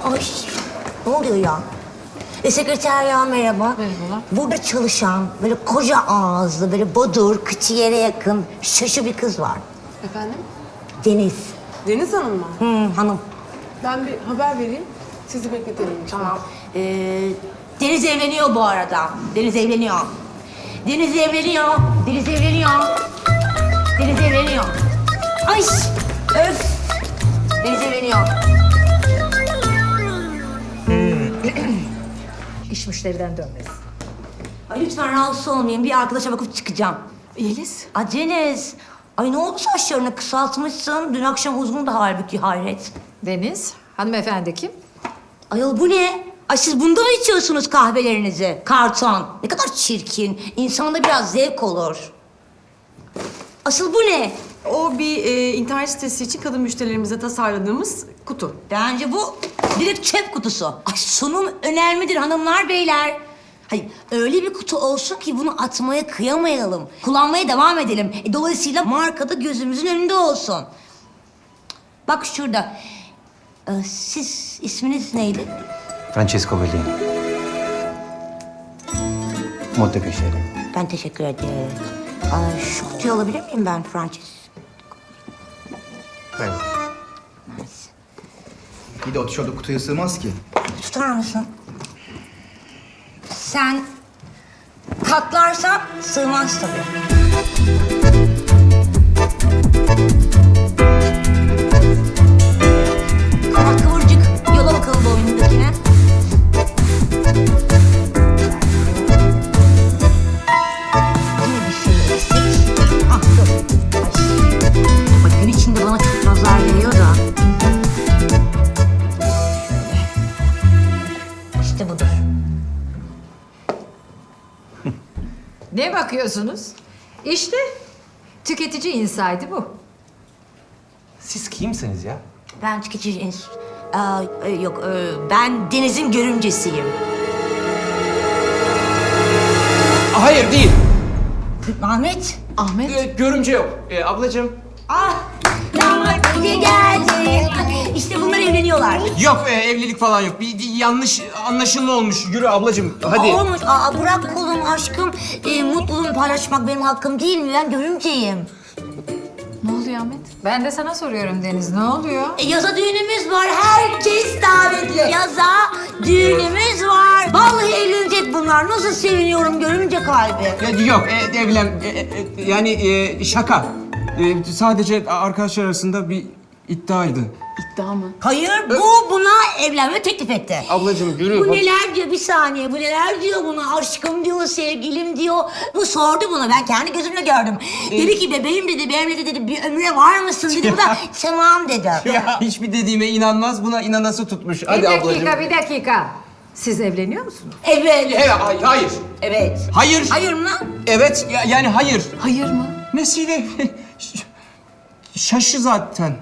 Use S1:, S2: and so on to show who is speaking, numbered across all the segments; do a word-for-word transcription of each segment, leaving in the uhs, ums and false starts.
S1: Ay, ne oluyor ya? E, sekreter ya merhaba.
S2: Merhabalar.
S1: Burada çalışan böyle koca ağızlı, böyle bodur, kıçı yere yakın, şaşı bir kız var.
S2: Efendim?
S1: Deniz.
S2: Deniz Hanım mı?
S1: Hı, hanım.
S2: Ben bir haber vereyim. Sizi bekletelim.
S1: Tamam. Ee, Deniz evleniyor bu arada. Deniz evleniyor. Deniz evleniyor. Deniz evleniyor. Deniz evleniyor. Ay! Öf! Deniz evleniyor.
S3: İş müşteriden dönmez.
S1: Ay lütfen rahatsız olmayın. Bir arkadaşa bakıp çıkacağım.
S2: Yeliz.
S1: Ay Deniz. Ay ne oldu saçlarını kısaltmışsın? Dün akşam uzun da halbuki hayret.
S3: Deniz, hanımefendi kim?
S1: Ayol bu ne? Ay siz bunda mı içiyorsunuz kahvelerinizi? Karton. Ne kadar çirkin. İnsanda biraz zevk olur. Asıl bu ne?
S2: O bir e, internet sitesi için kadın müşterilerimize tasarladığımız kutu.
S1: Bence bu direkt çöp kutusu. Ay sunum önemlidir hanımlar beyler. Hayır öyle bir kutu olsun ki bunu atmaya kıyamayalım. Kullanmaya devam edelim. E, dolayısıyla markada gözümüzün önünde olsun. Bak şurada. Ee, siz isminiz neydi?
S4: Francesco Bellini. Montepiacere.
S1: Ben teşekkür ederim. Ay, şu kutuyu alabilir miyim ben Francis?
S4: Evet. Bir de o tişört kutuya sığmaz ki.
S1: Tutar mısın? Sen katlarsan sığmaz tabii. Ama kıvırcık. Yola bakalım boynundakine. Yine bir şey eksik. Ah dur. Ay. Bak gün içinde bana çok nazar geliyor da. İşte budur.
S3: Ne bakıyorsunuz? İşte tüketici insaydı bu.
S4: Siz kimsiniz ya?
S1: Ben tüketici ins... Aa, e, yok, e, ben Deniz'in görümcesiyim.
S5: Hayır değil.
S1: Ahmet.
S2: Ahmet.
S5: Ee, görümce yok. Ee, ablacığım.
S1: Ah, damat iyi geldi. İşte bunlar evleniyorlar.
S5: Yok e, evlilik falan yok. Bir, bir yanlış anlaşılma olmuş. Yürü ablacığım hadi.
S1: Aa, olmuş. Aa, bırak kolum aşkım. E, mutluluğumu paylaşmak benim hakkım değil mi? Ben görümceyim.
S3: Ne oluyor Ahmet? Ben de sana soruyorum Deniz, ne oluyor?
S1: E, yaza düğünümüz var. Herkes davetli. Yaza düğünümüz var. Vallahi evlenecek bunlar. Nasıl seviniyorum görümce kalbi.
S5: Ya, yok e, evlen e, e, yani e, şaka. E, sadece arkadaşlar arasında bir iddiaydı.
S2: İddia mı?
S1: Hayır, bu buna evlenme teklif etti.
S5: Ablacığım yürü.
S1: Bu
S5: Bak-
S1: neler diyor bir saniye, bu neler diyor buna, aşkım diyor, sevgilim diyor. Bu sordu bunu, ben kendi gözümle gördüm. Dedi ki bebeğim dedi, benimle dedi bir ömre var mısın dedi, bu da tamam dedi.
S5: Ya hiçbir dediğime inanmaz, buna inanası tutmuş. Hadi
S3: bir dakika,
S5: ablacığım.
S3: bir dakika. Siz evleniyor musunuz?
S1: Evet.
S5: Evet, hay- hayır.
S1: Evet.
S5: Hayır.
S1: Hayır mı?
S5: Evet, ya- yani hayır.
S2: Hayır mı?
S5: Nesiyle? Şaşı zaten.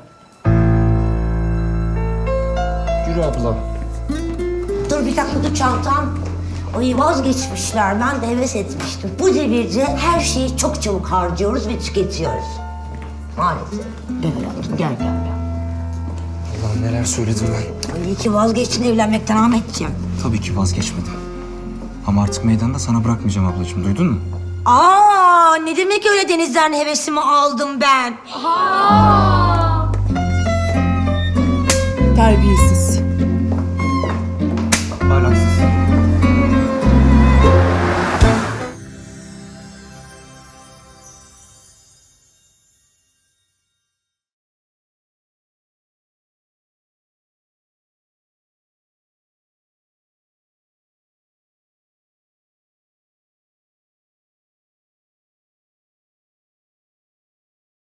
S5: Yürü abla.
S1: Dur bir dakika, dur çantam. Ay vazgeçmişler, ben de heves etmiştim. Bu devirde her şeyi çok çabuk harcıyoruz ve tüketiyoruz. Maalesef. Gel hayatım, gel gel gel.
S5: Allah'ım neler söyledim ben.
S1: Ay, iyi ki vazgeçtin evlenmekten Ahmetciğim.
S5: Tabii ki vazgeçmedim. Ama artık meydanda sana bırakmayacağım ablacığım, duydun mu?
S1: Aa, ne demek öyle Deniz'den hevesimi aldım ben?
S2: Terbiyesiz.